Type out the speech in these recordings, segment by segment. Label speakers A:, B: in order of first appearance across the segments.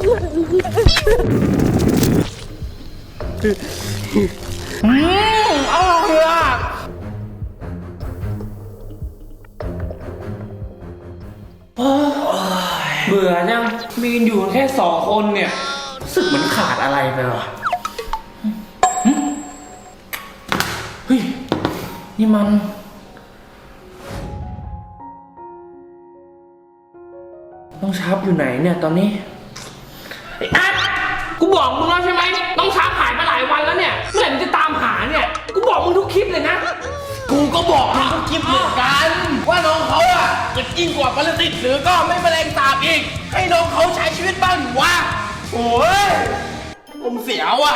A: อร่อยอ่ะเบื่อจังมีกันอยู่แค่2 คนเนี่ยรู้สึกเหมือนขาดอะไรไปวะเฮ้ยนี่มันต้องชับอยู่ไหนเนี่ยตอนนี้ไอ้อัดกูบอกมึงแล้วใช่ไหมต้องชับหายมาหลายวันแล้วเนี่ยเมื่อไหร่มึงจะตามหาเนี่ยกูบอกมึงทุกคลิปเลยนะกูก็บอกมึงทุกคลิปเหมือนกันว่าน้องเขาอะจะยิ่งกว่าปรสิตหรือก็ไม่แมลงสาบอีกให้น้องเขาใช้ชีวิตบ้างดิวะโอ้ยผมเสียวอะ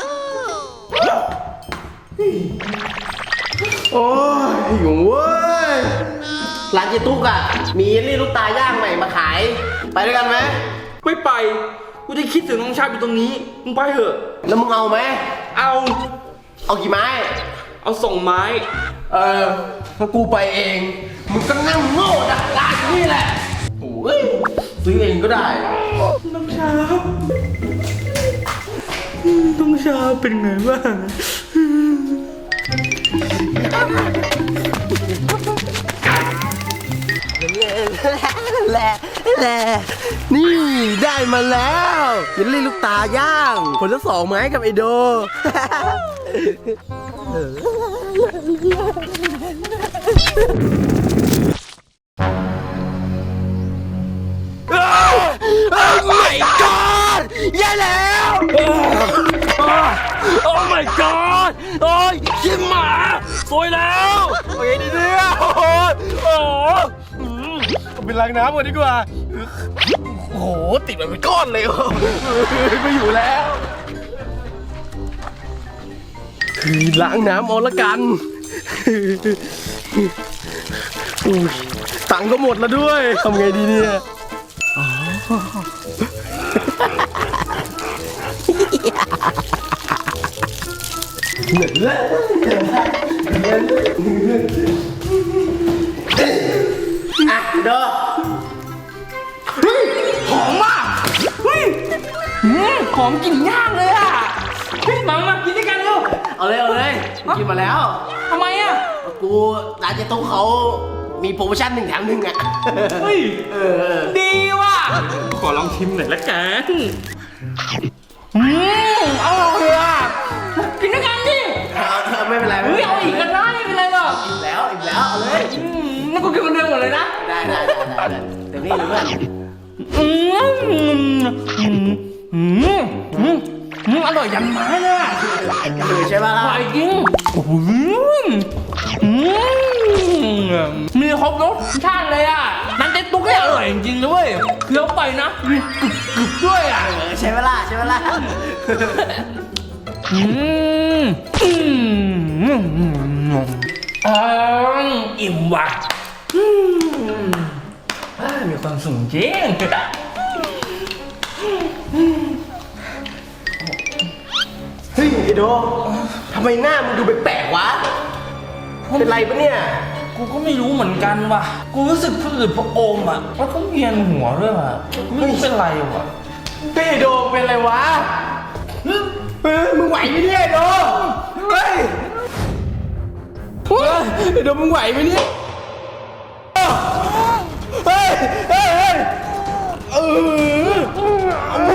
B: โอ้ยหิวเว้ยร้านเจตุ๊กอะมีเยลลี่ลูกตาย่างใหม่มาขายไปด้วยกันไหม
A: ไม่ไปกูจะคิดถึงน้องชายอยู่ตรงนี้มึงไปเถอะ
B: แล้วมึงเอาไหม
A: เอา
B: กี่ไม้
A: เอา2 ไม้
B: ถ้ากูไปเองมึงก็นั่งโง่ดักร้านนี่แหละโอ้ยซื้อเองก็ได้
A: น้องชาเป็นไงบ้าง
B: แหละนี่ได้มาแล้วเยลลี่ลูกตาย่างผลละ2 ไม้กับไอโดmy god แย่แล้ว
A: my god โอ้ยชิมหมาสวยแล้ว
B: โอเคดีเนี่ยโอ้โหเป็นล้างน้ำก่อนดีกว่าโอ้โหติดมันเป็นก้อนเลยไม่อยู่แล้วคือล้างน้ำเอาละกันตังค์ก็หมดแล้วด้วยทำไงดีเนี่ยอ่ะเด้อ
A: เฮ้ยหอมมากเฮ้ยหอมกลิ่นย่างเลยอ่ะเฮ้ยมากินด้วยกันเร็ว
B: เอาเลยกินมาแล้ว
A: ทำไมอ่ะ
B: กูร้านเจ๊ตุ๊กเขามีโปรโมชั่น1 แถม 1อ่ะ
A: เฮ้ยดีว่ะขอลองชิมหน่อยละกันอร่อยอ่ะกินด้วยกันดิ
B: ไม่เป็นไร
A: เฮ้ยเอาอีกกันได้ไม่เป็นไรหรอก
B: อิ่มแล้วเอาเลย
A: นั่นกูกินคนเดียวหมดเลยนะ
B: ได้เดี๋ยวนี้เลยเพื่อน
A: อร่อยยันไม้เลย
B: ใช่ป่ะล่ะ
A: อร่อยจริงมีครบรสชาติเลยอ่ะนั่นเจ๊ตุ๊กเนี่ยอร่อยจริงๆเลยเคี้ยวไปนะกรึบด้วยอ่ะ
B: ใช่ป่ะล่ะ
A: อิ่มว่ะมีความสุขจริง
B: เฮ้ยไอโดทำไมหน้ามึงดูแปลกๆวะเป็นไรปะเนี่ย
A: กูก็ไม่รู้เหมือนกันว่ะกูรู้สึกผืดพระอมอ่ะแล้วก็เวียนหัวด้วยว่ะไม่รู้เป็นไรว่ะ
B: ไอโดเป็นไรวะมึงไหวไหมเนี่ยไอโดเฮ้ยไอโดมึงไหวไหมเนี่ยเฮ้ย